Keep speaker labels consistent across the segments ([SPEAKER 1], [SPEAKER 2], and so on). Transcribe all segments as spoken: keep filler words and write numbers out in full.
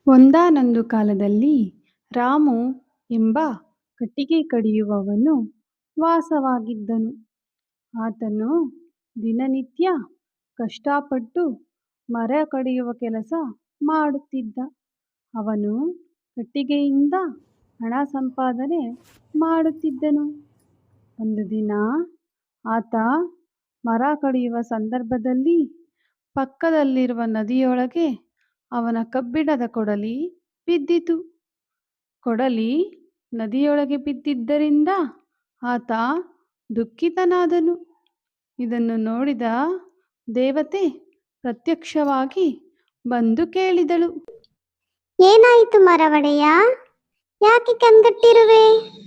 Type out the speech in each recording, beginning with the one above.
[SPEAKER 1] ಒಂದಾನೊಂದು ಕಾಲದಲ್ಲಿ ರಾಮು ಎಂಬ ಕಟ್ಟಿಗೆ ಕಡಿಯುವವನು ವಾಸವಾಗಿದ್ದನು. ಆತನು ದಿನನಿತ್ಯ ಕಷ್ಟಪಟ್ಟು ಮರ ಕಡಿಯುವ ಕೆಲಸ ಮಾಡುತ್ತಿದ್ದ. ಅವನು ಕಟ್ಟಿಗೆಯಿಂದ ಹಣ ಸಂಪಾದನೆ ಮಾಡುತ್ತಿದ್ದನು. ಒಂದು ದಿನ ಆತ ಮರ ಕಡಿಯುವ ಸಂದರ್ಭದಲ್ಲಿ ಪಕ್ಕದಲ್ಲಿರುವ ನದಿಯೊಳಗೆ ಅವನ ಕಬ್ಬಿಣದ ಕೊಡಲಿ ಬಿದ್ದಿತು. ಕೊಡಲಿ ನದಿಯೊಳಗೆ ಬಿದ್ದಿದ್ದರಿಂದ ಆತ ದುಃಖಿತನಾದನು. ಇದನ್ನು ನೋಡಿದ ದೇವತೆ ಪ್ರತ್ಯಕ್ಷವಾಗಿ ಬಂದು ಕೇಳಿದಳು,
[SPEAKER 2] ಏನಾಯಿತು ಮರವಡೆಯ, ಯಾಕೆ ಕಂಗಟ್ಟಿರುವೆ?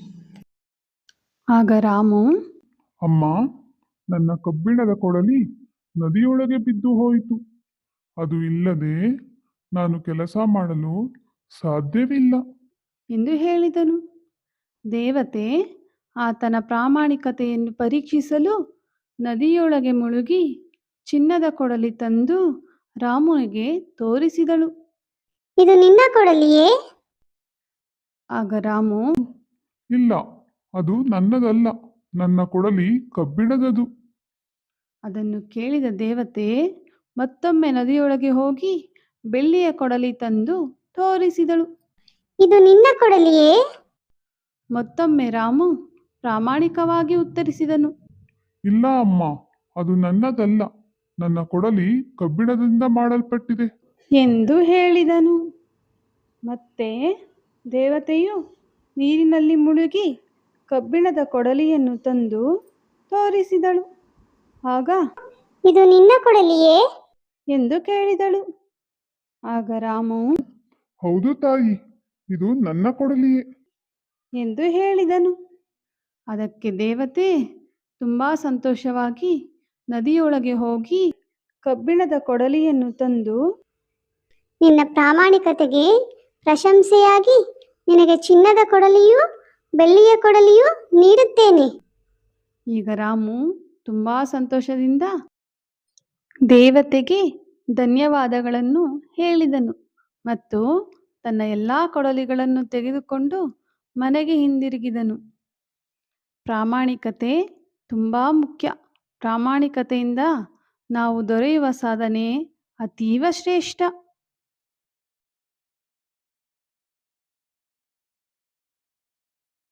[SPEAKER 1] ಆಗ ರಾಮು,
[SPEAKER 3] ಅಮ್ಮ, ನನ್ನ ಕಬ್ಬಿಣದ ಕೊಡಲಿ ನದಿಯೊಳಗೆ ಬಿದ್ದು ಹೋಯಿತು. ಅದು ಇಲ್ಲದೆ ನಾನು ಕೆಲಸ ಮಾಡಲು ಸಾಧ್ಯವಿಲ್ಲ
[SPEAKER 1] ಎಂದು ಹೇಳಿದನು. ದೇವತೆ ಆತನ ಪ್ರಾಮಾಣಿಕತೆಯನ್ನು ಪರೀಕ್ಷಿಸಲು ನದಿಯೊಳಗೆ ಮುಳುಗಿ ಚಿನ್ನದ ಕೊಡಲಿ ತಂದು ರಾಮುನಿಗೆ ತೋರಿಸಿದಳು.
[SPEAKER 2] ಇದು ನಿನ್ನ ಕೊಡಲಿಯೇ?
[SPEAKER 1] ಆಗ ರಾಮು,
[SPEAKER 3] ಇಲ್ಲ, ಅದು ನನ್ನದಲ್ಲ, ನನ್ನ ಕೊಡಲಿ ಕಬ್ಬಿಣದದು.
[SPEAKER 1] ಅದನ್ನು ಕೇಳಿದ ದೇವತೆ ಮತ್ತೊಮ್ಮೆ ನದಿಯೊಳಗೆ ಹೋಗಿ ಬೆಳ್ಳಿಯ ಕೊಡಲಿ ತಂದು ತೋರಿಸಿದಳು.
[SPEAKER 2] ಇದು ನಿನ್ನ ಕೊಡಲಿಯೇ?
[SPEAKER 1] ಮತ್ತೊಮ್ಮೆ ರಾಮು ಪ್ರಾಮಾಣಿಕವಾಗಿ ಉತ್ತರಿಸಿದನು,
[SPEAKER 3] ಇಲ್ಲ ಅಮ್ಮ, ಅದು ನನ್ನದಲ್ಲ, ನನ್ನ ಕೊಡಲಿ ಕಬ್ಬಿಣದಿಂದ ಮಾಡಲ್ಪಟ್ಟಿದೆ
[SPEAKER 1] ಎಂದು ಹೇಳಿದನು. ಮತ್ತೆ ದೇವತೆಯು ನೀರಿನಲ್ಲಿ ಮುಳುಗಿ ಕಬ್ಬಿಣದ ಕೊಡಲಿಯನ್ನು ತಂದು ತೋರಿಸಿದಳು. ಆಗ
[SPEAKER 2] ಇದು ನಿನ್ನ ಕೊಡಲಿಯೇ
[SPEAKER 1] ಎಂದು ಕೇಳಿದಳು. ಆಗ ರಾಮು,
[SPEAKER 3] ಹೌದು ತಾಯಿ, ಇದು ನನ್ನ ಕೊಡಲಿಯೇ
[SPEAKER 1] ಎಂದು ಹೇಳಿದನು. ಅದಕ್ಕೆ ದೇವತೆ ತುಂಬ ಸಂತೋಷವಾಗಿ ನದಿಯೊಳಗೆ ಹೋಗಿ ಕಬ್ಬಿಣದ ಕೊಡಲಿಯನ್ನು ತಂದು,
[SPEAKER 2] ನಿನ್ನ ಪ್ರಾಮಾಣಿಕತೆಗೆ ಪ್ರಶಂಸೆಯಾಗಿ ನಿನಗೆ ಚಿನ್ನದ ಕೊಡಲಿಯೂ ಬೆಳ್ಳಿಯ ಕೊಡಲಿಯೂ ನೀಡುತ್ತೇನೆ.
[SPEAKER 1] ಈಗ ರಾಮು ತುಂಬ ಸಂತೋಷದಿಂದ ದೇವತೆಗೆ ಧನ್ಯವಾದಗಳನ್ನು ಹೇಳಿದನು ಮತ್ತು ತನ್ನ ಎಲ್ಲ ಕೊಡಲಿಗಳನ್ನು ತೆಗೆದುಕೊಂಡು ಮನೆಗೆ ಹಿಂದಿರುಗಿದನು. ಪ್ರಾಮಾಣಿಕತೆ ತುಂಬ ಮುಖ್ಯ. ಪ್ರಾಮಾಣಿಕತೆಯಿಂದ ನಾವು ದೊರೆಯುವ ಸಾಧನೆ ಅತೀವ ಶ್ರೇಷ್ಠ.